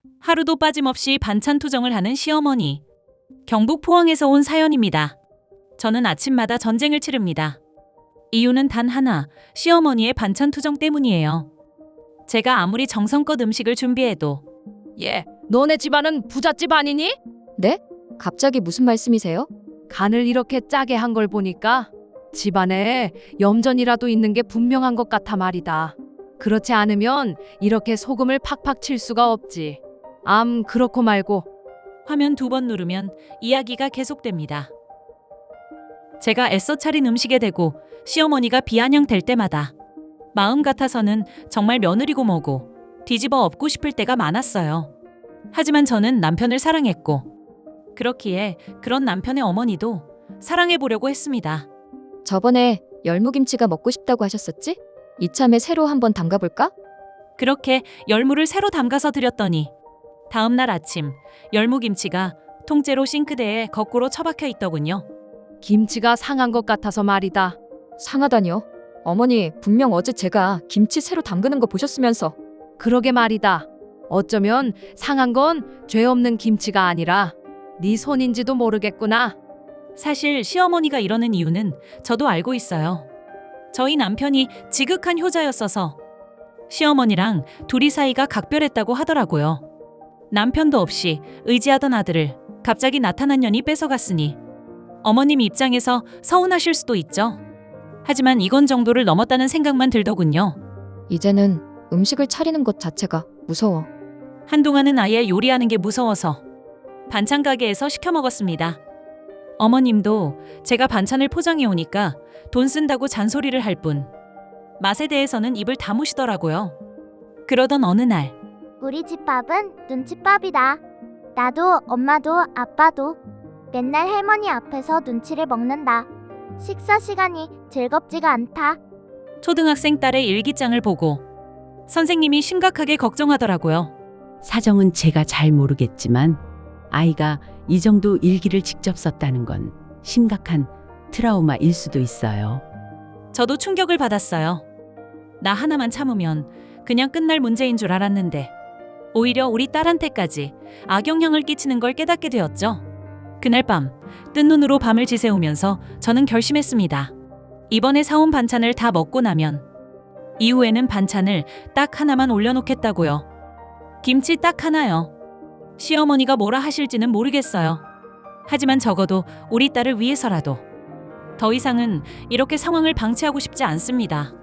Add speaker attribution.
Speaker 1: 하루도 빠짐없이 반찬 투정을 하는 시어머니. 경북 포항에서 온 사연입니다. 저는 아침마다 전쟁을 치릅니다. 이유는 단 하나, 시어머니의 반찬 투정 때문이에요. 제가 아무리 정성껏 음식을 준비해도
Speaker 2: 너네 집안은 부잣집 아니니?
Speaker 3: 네? 갑자기 무슨 말씀이세요?
Speaker 2: 간을 이렇게 짜게 한 걸 보니까 집안에 염전이라도 있는 게 분명한 것 같아 말이다. 그렇지 않으면 이렇게 소금을 팍팍 칠 수가 없지. 그렇고 말고.
Speaker 1: 화면 2번 누르면 이야기가 계속됩니다. 제가 애써 차린 음식에 대고 시어머니가 비아냥될 때마다 마음 같아서는 정말 며느리고 뭐고 뒤집어 엎고 싶을 때가 많았어요. 하지만 저는 남편을 사랑했고 그렇기에 그런 남편의 어머니도 사랑해보려고 했습니다.
Speaker 3: 저번에 열무김치가 먹고 싶다고 하셨었지? 이참에 새로 한번 담가볼까?
Speaker 1: 그렇게 열무를 새로 담가서 드렸더니 다음 날 아침 열무김치가 통째로 싱크대에 거꾸로 처박혀 있더군요.
Speaker 2: 김치가 상한 것 같아서 말이다.
Speaker 3: 상하다뇨? 어머니, 분명 어제 제가 김치 새로 담그는 거 보셨으면서.
Speaker 2: 그러게 말이다. 어쩌면 상한 건 죄 없는 김치가 아니라 네 손인지도 모르겠구나.
Speaker 1: 사실 시어머니가 이러는 이유는 저도 알고 있어요. 저희 남편이 지극한 효자였어서 시어머니랑 둘이 사이가 각별했다고 하더라고요. 남편도 없이 의지하던 아들을 갑자기 나타난 년이 뺏어갔으니 어머님 입장에서 서운하실 수도 있죠. 하지만 이건 정도를 넘었다는 생각만 들더군요.
Speaker 3: 이제는 음식을 차리는 것 자체가 무서워.
Speaker 1: 한동안은 아예 요리하는 게 무서워서 반찬 가게에서 시켜 먹었습니다. 어머님도 제가 반찬을 포장해 오니까 돈 쓴다고 잔소리를 할 뿐 맛에 대해서는 입을 다무시더라고요. 그러던 어느 날
Speaker 4: 우리 집 밥은 눈칫밥이다. 나도 엄마도 아빠도 맨날 할머니 앞에서 눈치를 먹는다. 식사 시간이 즐겁지가 않다.
Speaker 1: 초등학생 딸의 일기장을 보고 선생님이 심각하게 걱정하더라고요.
Speaker 5: 사정은 제가 잘 모르겠지만 아이가 이 정도 일기를 직접 썼다는 건 심각한 트라우마일 수도 있어요.
Speaker 1: 저도 충격을 받았어요. 나 하나만 참으면 그냥 끝날 문제인 줄 알았는데 오히려 우리 딸한테까지 악영향을 끼치는 걸 깨닫게 되었죠. 그날 밤 뜬 눈으로 밤을 지새우면서 저는 결심했습니다. 이번에 사온 반찬을 다 먹고 나면 이후에는 반찬을 딱 하나만 올려놓겠다고요. 김치 딱 하나요. 시어머니가 뭐라 하실지는 모르겠어요. 하지만 적어도 우리 딸을 위해서라도 더 이상은 이렇게 상황을 방치하고 싶지 않습니다.